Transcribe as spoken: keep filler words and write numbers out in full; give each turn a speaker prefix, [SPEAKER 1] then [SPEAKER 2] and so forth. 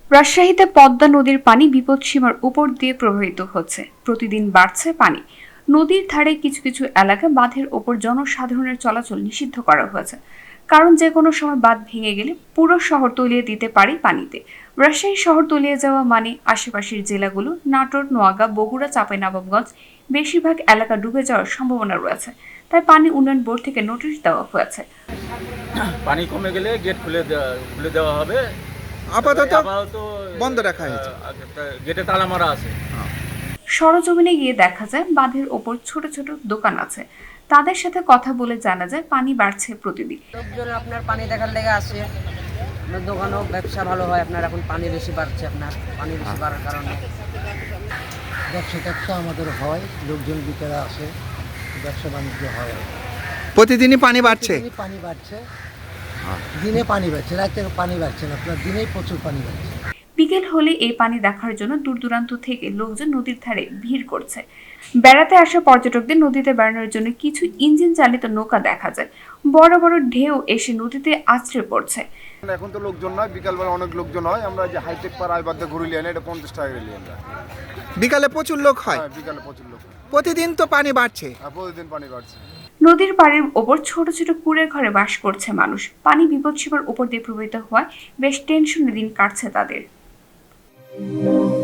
[SPEAKER 1] রাজশাহীতে পদ্মা নদীর পানি বিপদসীমার উপর দিয়ে প্রবাহিত হচ্ছে। প্রতিদিন বাড়ছে পানি। নদীর ধারে কিছু কিছু এলাকা বাঁধের ওপর জনসাধারণের চলাচল নিষিদ্ধ করা হয়েছে, কারণ যে কোনো সময় বাঁধ ভেঙে গেলে পুরো শহর তলিয়ে দিতে পারে পানিতে। রাজশাহী শহর তলিয়ে যাওয়া মানে আশেপাশের জেলাগুলো নাটোর, নোয়াগাঁ, বগুড়া, চাঁপাইনবাবগঞ্জ বেশিরভাগ এলাকা ডুবে যাওয়ার সম্ভাবনা রয়েছে। তাই পানি উন্নয়ন বোর্ড থেকে নোটিশ দেওয়া হয়েছে।
[SPEAKER 2] পানি কমে গেলে গেট খুলে দেওয়া খুলে দেওয়া হবে।
[SPEAKER 3] আপাতত
[SPEAKER 2] আপাতত
[SPEAKER 3] বন্ধ রাখা হয়েছে।
[SPEAKER 2] গেটে তালা মারা আছে।
[SPEAKER 1] সরজমিনে গিয়ে দেখা যায় বাঁধের ওপর ছোট ছোট দোকান আছে। তাদের সাথে কথা বলে জানা যায় পানি বাড়ছে প্রতিদিন।
[SPEAKER 4] লোকজন আপনার পানি দেখার লেগে আসে, আপনার দোকানও ব্যবসা ভালো হয়। আপনার এখন পানি বেশি বাড়ছে, আপনার পানি বেশি বাড়ার কারণে
[SPEAKER 5] ব্যবসা ট্যাবসা আমাদের হয়, লোকজন বিকেলে আসে, ব্যবসা বাণিজ্য হয়।
[SPEAKER 3] প্রতিদিনই পানি বাড়ছে।
[SPEAKER 5] দিনে পানি বাড়ছে, দিনে পানি বাড়ছে, রাতে পানি বাড়ছে না, আপনার দিনেই প্রচুর পানি বাড়ছে।
[SPEAKER 1] বিকেল হলে এই পানি দেখার জন্য দূর দূরান্ত থেকে লোকজন নদীর ধারে ভিড় করছে। বেড়াতে আসা পর্যটকদের নদীতে বেড়ানোর জন্য কিছু ইঞ্জিন চালিত নৌকা দেখা যায়। বড় বড় ঢেউ এসে নদীতে আছড়ে পড়ছে।
[SPEAKER 6] এখন তো লোকজন নয়, বিকালবেলা অনেক লোকজন হয়। আমরা যে হাইটেক পার আইবাদে ঘুরে লিয়ে এটা পঞ্চাশ টাকা করে লিয়ে আমরা।
[SPEAKER 3] বিকালে প্রচুর লোক হয়।
[SPEAKER 6] হ্যাঁ, বিকালে প্রচুর লোক।
[SPEAKER 3] প্রতিদিন তো পানি বাড়ছে।
[SPEAKER 6] হ্যাঁ, প্রতিদিন পানি বাড়ছে।
[SPEAKER 1] নদীর পাড়ের ওপর ছোট ছোট কুঁড়ের ঘরে বাস করছে মানুষ। পানি বিপদসীমার উপর দিয়ে প্রবাহিত হওয়ায় বেশ টেনশনে দিন কাটছে তাদের।